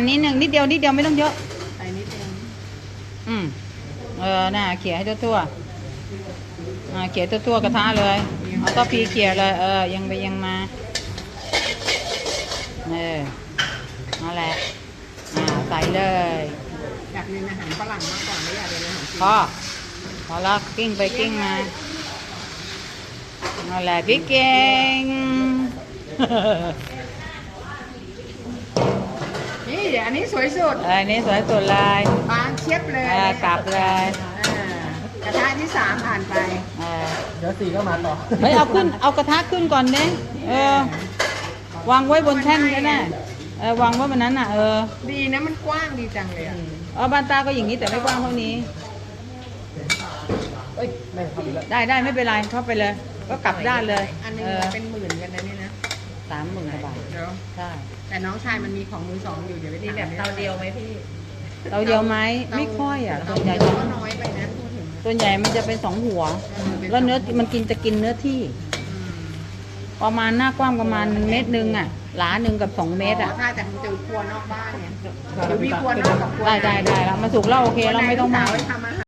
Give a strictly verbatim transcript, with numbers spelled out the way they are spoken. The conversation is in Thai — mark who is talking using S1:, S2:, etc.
S1: นิดนึงนิดเดียวนิดเดียวไม่ต้องเยอะ
S2: ใส่นิดนึง
S1: อืมเออน่ะเขี่ยให้ทั่วๆอ่าเขี่ยทั่วๆกระทะเลยเอาก็พีเขี่ยเลยเออยังไปยังมาเออนั่นแหละอ่าใส่เลย
S2: อยากเรียนอาหารฝรั่งมากกว่าไม่อยากเรียนอาหารจีน
S1: พอพอแล้วกิ้งไปกิ้งมานั่นแหละพี่เก่ง
S2: นี่เดี๋ยวอันนี้สวยสุด
S1: เออนี่สวยสุดเลย
S2: บางเชียบเลย
S1: เออกลับเลย
S2: กระทะที่สามผ่านไป
S1: เออ
S3: เดี๋ยวสี่ก็มาต่อ
S1: เฮ้ยเอาขึ้นเอากระทะขึ้นก่อนเด้เออวางไว้บนแท่นก็ได้เออวางไว้บนนั้นน่ะเออ
S2: ดีนะมันกว้างดีจังเลยอ่ะ
S1: เออบ้านตาก็อย่างนี้แต่ไม่กว้างเท่านี้
S3: เอ้ยไม่เข้าไปแล้ว
S1: ได้ได้ไม่เป็นไรเข้าไปเลย ก็กลับด้านเลย
S2: อันนึงเป็นหมื่นกันนะนี่นะ
S1: สามหมื่นกว่าบาท
S2: เดี๋ยว
S1: ใช่
S2: แต่น้องชายมันมีของมือสองอยู่เดี๋ยวไป
S4: มีแบบเตาเดียวไหมพี่
S1: เตาเดียวไหมไม่ค่อยอ่ะส่วนใหญ่
S2: ก็น้อยไปนะพูดถึง
S1: ส่วนใหญ่มันจะเป็นสองหัวแล้วเนื้อมันกินจะกินเนื้อที่ประมาณหน้ากว้างประมาณเมตรหนึ่งอ่ะหลาหนึ่งกับสองเมตรอ่ะ
S2: ใช่แต่มันจะครัวนอกบ้านเนี่ยเดี๋ยวมีครัวนอกกับครัว
S1: ได้ได้ได้แล้วมาสุกแล้วโอเคเราไม่ต้องมา